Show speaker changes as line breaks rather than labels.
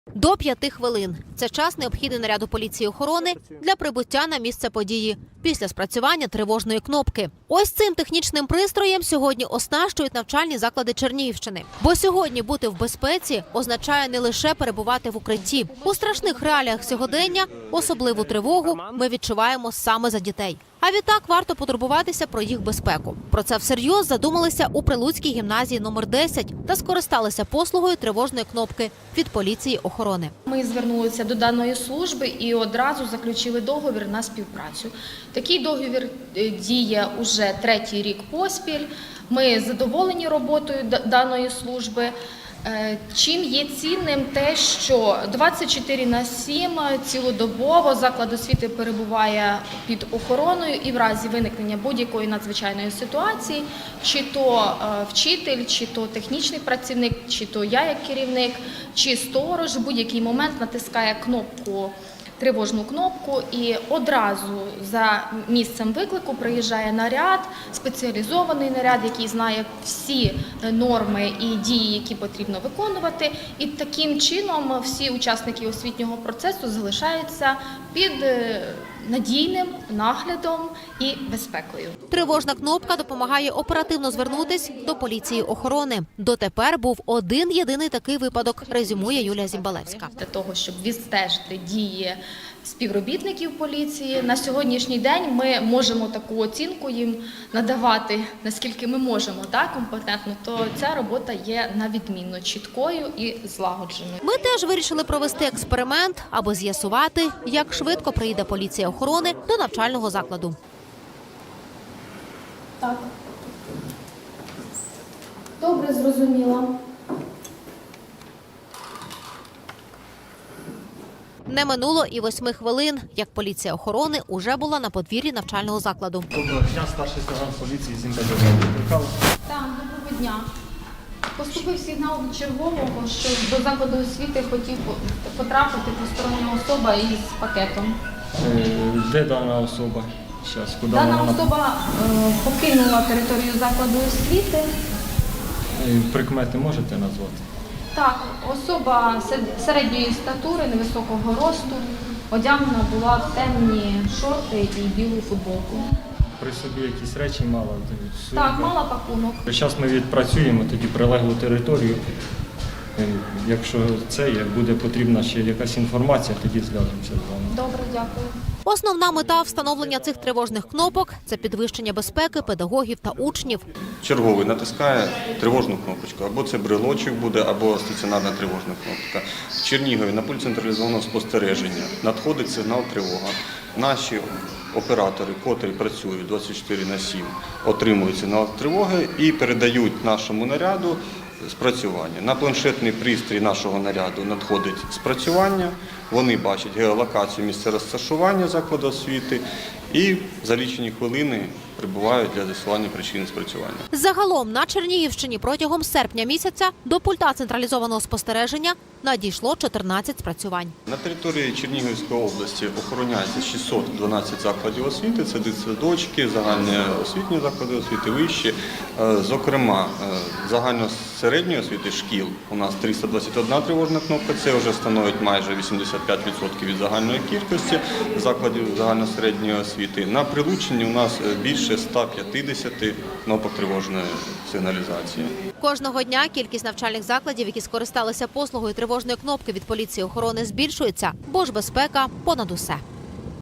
До 5 хвилин. Це час необхідний наряду поліції охорони для прибуття на місце події після спрацювання тривожної кнопки. Ось цим технічним пристроєм сьогодні оснащують навчальні заклади Чернігівщини. Бо сьогодні бути в безпеці означає не лише перебувати в укритті. У страшних реаліях сьогодення особливу тривогу ми відчуваємо саме за дітей. А відтак варто потурбуватися про їх безпеку. Про це всерйоз задумалися у Прилуцькій гімназії номер 10 та скористалися послугою тривожної кнопки від поліції охорони.
Ми звернулися до даної служби і одразу заключили договір на співпрацю. Такий договір діє уже 3-й рік поспіль. Ми задоволені роботою даної служби. Чим є цінним те, що 24/7 цілодобово заклад освіти перебуває під охороною і в разі виникнення будь-якої надзвичайної ситуації, чи то вчитель, чи то технічний працівник, чи то я як керівник, чи сторож в будь-який момент натискає тривожну кнопку і одразу за місцем виклику приїжджає наряд, спеціалізований наряд, який знає всі норми і дії, які потрібно виконувати. І таким чином всі учасники освітнього процесу залишаються під надійним наглядом і безпекою.
Тривожна кнопка допомагає оперативно звернутись до поліції охорони. Дотепер був один єдиний такий випадок, резюмує Юлія Зімбалевська.
Для того, щоб відстежити дії співробітників поліції, на сьогоднішній день ми можемо таку оцінку їм надавати, наскільки ми можемо, компетентно, то ця робота є на відмінно чіткою і злагодженою.
Ми теж вирішили провести експеримент, аби з'ясувати, як швидко приїде поліція охорони до навчального закладу.
Так. Добре, зрозуміла.
Не минуло і 8 хвилин, як поліція охорони уже була на подвір'ї навчального закладу.
Доброго дня, старший сержант поліції Зімбалевський.
Так, доброго дня. Поступив сигнал від чергового, що до закладу освіти хотів потрапити постороння особа із пакетом.
Де дана особа? Щас, куди
Дана
вона?
особа покинула територію закладу освіти.
Прикмети можете назвати?
Так, особа середньої статури, невисокого росту, одягнена була в темні шорти і білу футболку.
При собі якісь речі мала?
Так, мала пакунок.
Зараз ми відпрацюємо тоді прилеглу територію. Якщо як буде потрібна ще якась інформація, тоді зв'яжемося з вами.
Добре, дякую.
Основна мета встановлення цих тривожних кнопок – це підвищення безпеки педагогів та учнів.
Черговий натискає тривожну кнопочку, або це брелочок буде, або стаціонарна тривожна кнопка. В Чернігові на пульт централізованого спостереження надходить сигнал тривога. Наші оператори, котрі працюють 24/7, отримують сигнал тривоги і передають нашому наряду спрацювання. На планшетний пристрій нашого наряду надходить спрацювання, вони бачать геолокацію місця розташування закладу освіти і за лічені хвилини прибувають для з'ясування причини спрацювання.
Загалом на Чернігівщині протягом серпня місяця до пульта централізованого спостереження надійшло 14 спрацювань.
На території Чернігівської області охороняється 612 закладів освіти, це дитсадочки, загальноосвітні заклади освіти, вищі. Зокрема, загальносередньої освіти шкіл у нас 321 тривожна кнопка, це вже становить майже 85% від загальної кількості закладів загальносередньої освіти. На Прилуччині у нас більше 150 кнопок тривожної сигналізації.
Кожного дня кількість навчальних закладів, які скористалися послугою тривожної кнопки від поліції охорони, збільшується, бо ж безпека понад усе.